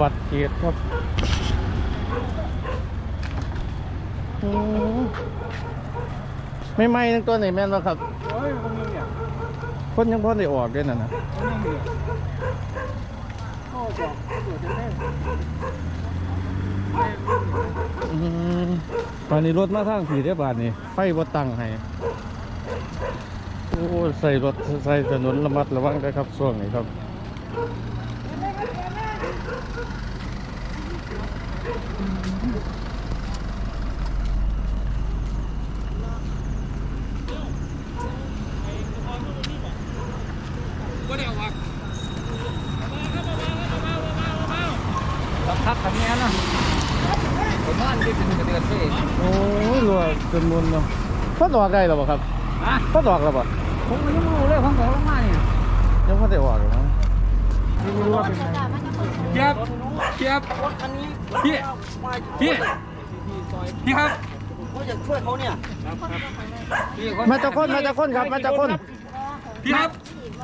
บัตรเขตครับไม่ไหม้ทั้งตัวไหนแม่นวะครับคนยังพอได้ออกด้วยนะตอนนี้รถมาทางผีเรียบบาทนี่ไฟบ่ตั้งให้โอ้ใส่รถใส่ถนนระมัดระวังด้วยครับช่วงนี้ครับพักทำงานนะผมว่านี่เป็นเดือนพี่โอ้ยรัวจนมุนเนาะพัดออกได้หรอครับพัดออกแล้วป่ะผมก็ยังไม่รู้เลยของผมลงมาเนี่ยยังพัดได้ออกหรือมั้งไม่รู้ว่าเป็นไงเจี๊ยบพี่ครับเขาจะช่วยเขาเนี่ยมาจากคนครับมาจากคนพี่ครับ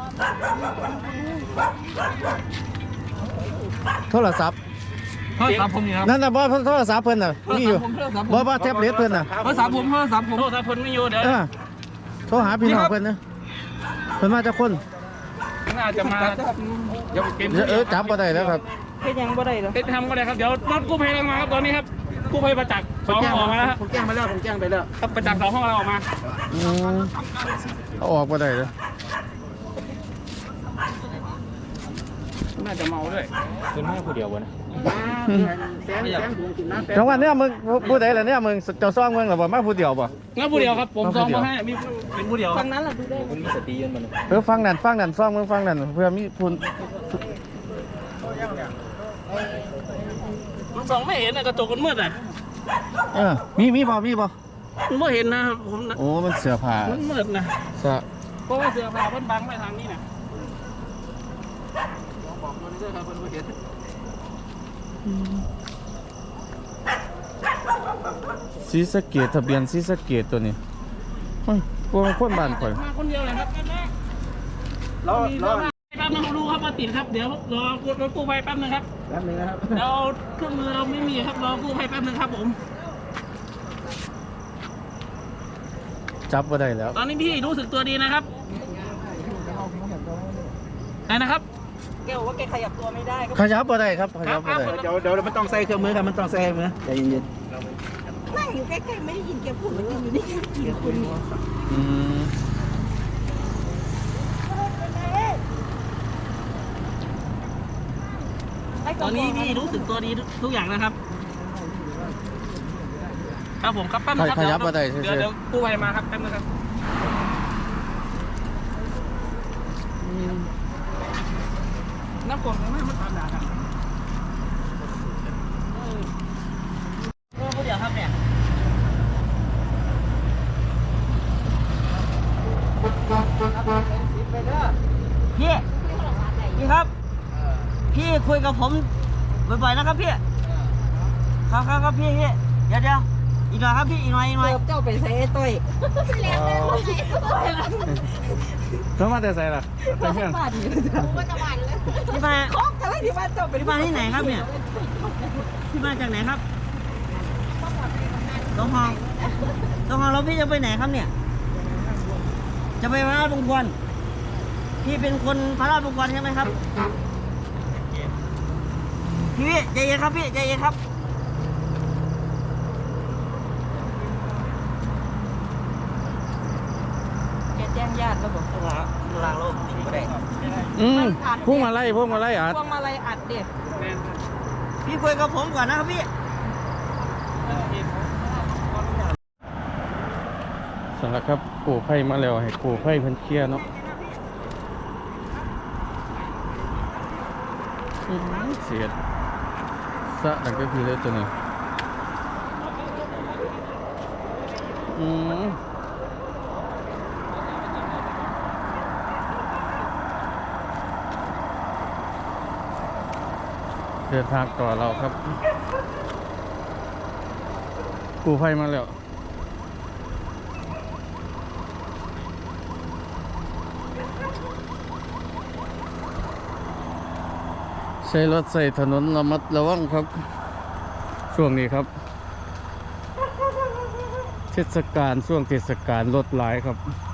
โทรศัพท์ผมนี่ครับนั่นน่ะบ่โทรศัพท์เพิ่นน่ะมีอยู่บ่แท็บเล็ตเพิ่นน่ะโทรศัพท์ผมไม่อยู่เดี๋ยวโทรหาพี่น้องเพิ่นนะเพิ่นมาจากคนน่าจะมาจับบ่ได้แล้วครับเป็นยังบ่ได้หรอเป็นทำก็ได้ครับเดี๋ยวรถกู้ภัยมาครับตอนนี้ครับกู้ภัยประจักษ์2ห้องออกมาแล้วผมแจ้งไปแล้วครับประจักษ์2ห้องเราออกมาเอาออกบ่ได้เลยน่าจะเมาด้วยเป็นแม่ผู้เดียววะนะจังหวะเนี้ยมึงผู้ใดล่ะเนี่ยมึงเจ้าซ่องมึงหรือบ่มาผู้เดียวบ่งั้นผู้เดียวครับผมซ่องมาให้มีเป็นผู้เดียวฟังนั้นล่ะดูได้มันมีสติยืนมันฟังนั่นซ่องมึงฟังนั่นเพื่อมีผู้มันส่องไม่เห็นนะกระจกมันมืดอ่ะมีบ่มันไม่เห็นนะผมโอ้มันเสื้อผ้ามันมืดนะเพราะว่าเสื้อผ้ามันบังไม่ทางนี้นะบอกตัวนี้ด้วยครับมันไม่เห็นศรีสะเกษทะเบียนศรีสะเกษตัวนี้พวกคนบ้านข่อยมาคนเดียวเลยครับรอแป๊บนึงดูครับมาติดครับเดี๋ยวรอกู้ภัยแป๊บนึงครับนะครับเราเครื่องมือเราไม่มีครับรอกู้ภัยแป๊บนึงครับผมจับมาได้แล้วตอนนี้พี่รู้สึกตัวดีนะครับไหนนะครับแกบอกว่าแกขยับตัวไม่ได้ขยับมาได้ครับขยับมาได้เดี๋ยวมันต้องใส่เครื่องมือครับมันต้องใส่มือใจเย็นนั่งอยู่ใกล้ๆไม่ได้ยินแกพูดเลยอยู่นี่กี่คนตอนนี้พี่รู้สึกตัวดีทุกอย่างนะครับครับผมครับแป๊บนึงครับขยับมาได้เดี๋ยวกู้ภัยมาครับแป๊บนึงครับน้ำกรดมันตามด่าครับผู้เดียวครับเนี่ยพี่ครับพี่คุยกับผมบ่อยๆนะครับพี่ครับพี่เดี๋ยวอีกหน่อยครับพี่อีกหน่อยเจ้าไปใส่ต้อยแล้วมาแต่ใส่ล่ะใส่เพื่อนที่มาคอกอะไรที่มาเจ้าไปที่มาที่ไหนครับเนี่ยที่มาจากไหนครับต้องห้องแล้วพี่จะไปไหนครับเนี่ยจะไปพระราชบุญควรพี่เป็นคนพระราชบุญควรใช่ไหมครับพี่ใจเย็นครับพี่ใจเย็นครับแจ้งญาติแล้วบอกลางโลกไม่ได้พุ่งมาไล่อัดพวงมาลัยอัดเด็กพี่คุยกับผมก่อนนะครับพี่สำหรับครับกู้ภัยมาแล้วให้กู้ภัยเพิ่นเคลียร์เนาะเสียดสะนั่นก็คือเลยตัวนี้เดินทางต่อเราครับกู้ภัยมาแล้วใช้รถใส่ถนนระมัดระวังครับ ช่วงนี้ครับเทศกาลช่วงเทศกาลรถหลายครับ